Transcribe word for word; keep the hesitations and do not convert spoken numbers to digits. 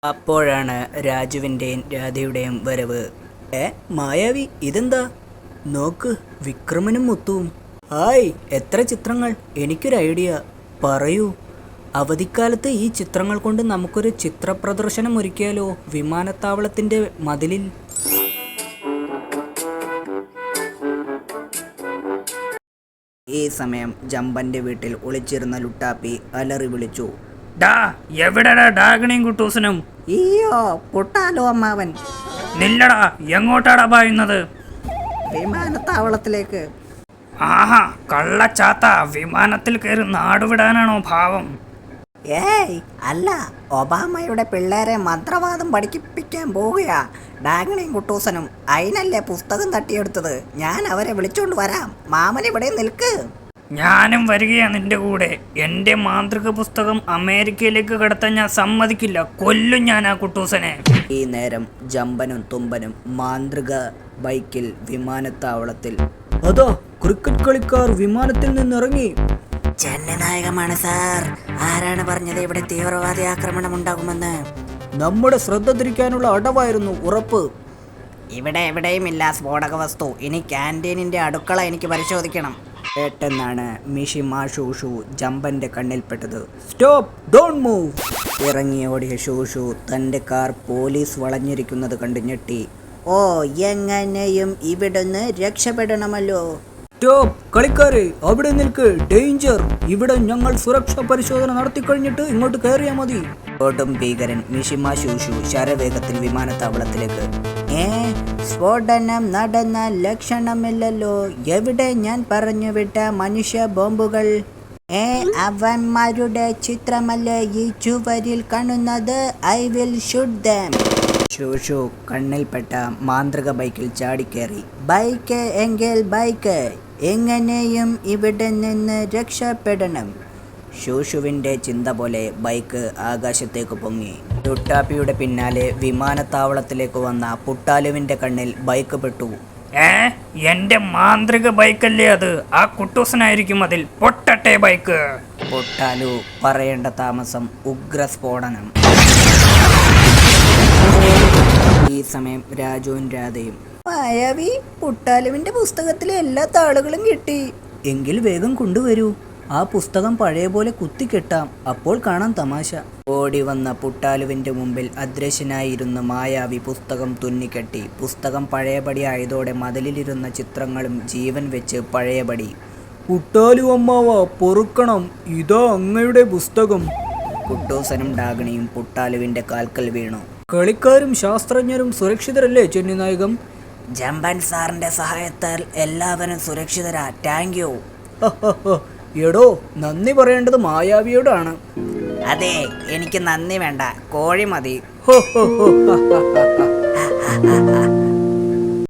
അപ്പോഴാണ് രാജുവിൻ്റെയും രാധയുടെയും വരവ്. ഏ മായാവി, ഇതെന്താ? നോക്ക്, വിക്രമനും മുത്തുവും. ഹായ്, എത്ര ചിത്രങ്ങൾ! എനിക്കൊരു ഐഡിയ, പറയൂ. അവധിക്കാലത്ത് ഈ ചിത്രങ്ങൾ കൊണ്ട് നമുക്കൊരു ചിത്ര പ്രദർശനം ഒരുക്കിയാലോ? വിമാനത്താവളത്തിൻ്റെ മതിലിൽ. ഈ സമയം ജമ്പൻ്റെ വീട്ടിൽ ഒളിച്ചിരുന്ന ലുട്ടാപ്പി അലറി വിളിച്ചു. ഡാ, എവിടെടാ ഡാഗണിയും കുട്ടൂസനും? ഈയോ, പൊട്ടാലോ അമ്മാവൻ. നില്ലടാ, എങ്ങോട്ടാടാ പായുന്നത്? വിമാനത്താവളത്തിലേക്ക്. ആഹാ, കള്ളച്ചാത്ത, വിമാനത്തിൽ കയറി നാടുവിടാനാണോ ഭാവം? ഏയ് അല്ല, ഒബാമയുടെ പിള്ളേരെ മന്ത്രവാദം പഠിപ്പിക്കാൻ പോവുകയാ ഡാഗണിയും കുട്ടൂസനും. അതിനല്ലേ പുസ്തകം തട്ടിയെടുത്തത്. ഞാൻ അവരെ വിളിച്ചോണ്ട് വരാം. മാമൻ ഇവിടെ നിൽക്ക്. ഞാനും വരികയാ നിന്റെ കൂടെ. എന്റെ മാന്ത്രിക പുസ്തകം അമേരിക്കയിലേക്ക് കടത്താൻ ഞാൻ സമ്മതിക്കില്ല. കൊല്ലും ഞാൻ ആ കുട്ടൂസനെ. ഈ നേരം ജമ്പനും തുമ്പനും മാന്ത്രിക ബൈക്കിൽ വിമാനത്താവളത്തിൽ. അതോ, ക്രിക്കറ്റ് കളിക്കാർ വിമാനത്തിൽ നിന്നിറങ്ങി. ജനനായകമാണ് സാർ. ആരാണ് പറഞ്ഞത് ഇവിടെ തീവ്രവാദി ആക്രമണം ഉണ്ടാകുമെന്ന്? നമ്മുടെ ശ്രദ്ധ തിരിക്കാനുള്ള അടവായിരുന്നു, ഉറപ്പ്. ഇവിടെ എവിടെയും ഇല്ല സ്ഫോടക വസ്തു. ഇനി ക്യാൻറ്റീനിന്റെ അടുക്കള എനിക്ക് പരിശോധിക്കണം. പെട്ടെന്നാണ് മിഷിമ ഷൂഷു ജമ്പന്റെ കണ്ണിൽപ്പെട്ടത്. Stop, don't move. ഇറങ്ങിയോടിയ ഷൂഷു തന്റെ കാർ പോലീസ് വളഞ്ഞിരിക്കുന്നത് കണ്ട് ഞെട്ടി. ഓ, എങ്ങനെയും ഇവിടുന്ന് രക്ഷപ്പെടണമല്ലോ. സ്റ്റോപ്പ്, കളിക്കാരെ അവിടെ നിൽക്ക്, ഡേഞ്ചർ. ഇവിടെ ഞങ്ങൾ സുരക്ഷാ പരിശോധന നടത്തി കഴിഞ്ഞിട്ട് ഇങ്ങോട്ട് കയറിയാൽ മതി. കൊടും ഭീകരൻ മിഷിമ ഷൂഷു ശരവേഗത്തിൽ വിമാനത്താവളത്തിലേക്ക്. ഏ സ്ഫോടനം നടന്ന ലക്ഷണമില്ലല്ലോ. എവിടെ ഞാൻ പറഞ്ഞു വിട്ട മനുഷ്യ ബോംബുകൾ? ഏ അവന്മാരുടെ ചിത്രമല്ലേ ഈ ചുവരിൽ കാണുന്നത്? I will shoot them. ഷൂഷു കണ്ണിൽപ്പെട്ട മാന്ത്രിക ബൈക്കിൽ ചാടിക്കേറി. ബൈക്ക് എങ്കിൽ ബൈക്ക്, എങ്ങനെയും ഇവിടെ നിന്ന് രക്ഷപ്പെടണം. ഷൂഷുവിൻ്റെ ചിന്ത പോലെ ബൈക്ക് ആകാശത്തേക്ക് പൊങ്ങി. ലുട്ടാപ്പിയുടെ പിന്നാലെ വിമാനത്താവളത്തിലേക്ക് വന്ന പുട്ടാലുവിൻ്റെ കണ്ണിൽ ബൈക്ക് പെട്ടു. ഏ എന്റെ മാന്ത്രിക ബൈക്കല്ലേ അത്? ആ കുട്ടൂസനായിരിക്കും അതിൽ. പൊട്ടട്ടെ ബൈക്ക്. പുട്ടാലു പറയേണ്ട താമസം, ഉഗ്രസ്ഫോടനം. ഈ സമയം രാജുവും രാധയും. മായാവി, പുട്ടാലുവിന്റെ പുസ്തകത്തിലെ എല്ലാ താളുകളും കിട്ടി. എങ്കിൽ വേഗം കൊണ്ടുവരൂ. ആ പുസ്തകം പഴയ പോലെ കുത്തിക്കെട്ടാം, അപ്പോൾ കാണാം തമാശ. ഓടി വന്ന പുട്ടാലുവിന്റെ മുമ്പിൽ അദൃശ്യനായിരുന്ന മായാവി പുസ്തകം തുന്നിക്കെട്ടി. പുസ്തകം പഴയപടി ആയതോടെ മതിലിലിരുന്ന ചിത്രങ്ങളും ജീവൻ വെച്ച് പഴയപടി. പുട്ടാലു അമ്മാവ, പൊറുക്കണം, ഇതാ അങ്ങയുടെ പുസ്തകം. കുട്ടൂസനും ഡാഗണിയും പുട്ടാലുവിന്റെ കാൽക്കൽ വീണു. കളിക്കാരും ശാസ്ത്രജ്ഞരും സുരക്ഷിതരല്ലേ ചെന്നിനായകം? ജമ്പൻ സാറിന്റെ സഹായത്താൽ എല്ലാവരും സുരക്ഷിതരാ. Thank you. എടോ, നന്ദി പറയേണ്ടത് മായാവിയോടാണ്. അതെ, എനിക്ക് നന്ദി വേണ്ട, കോഴി മതി.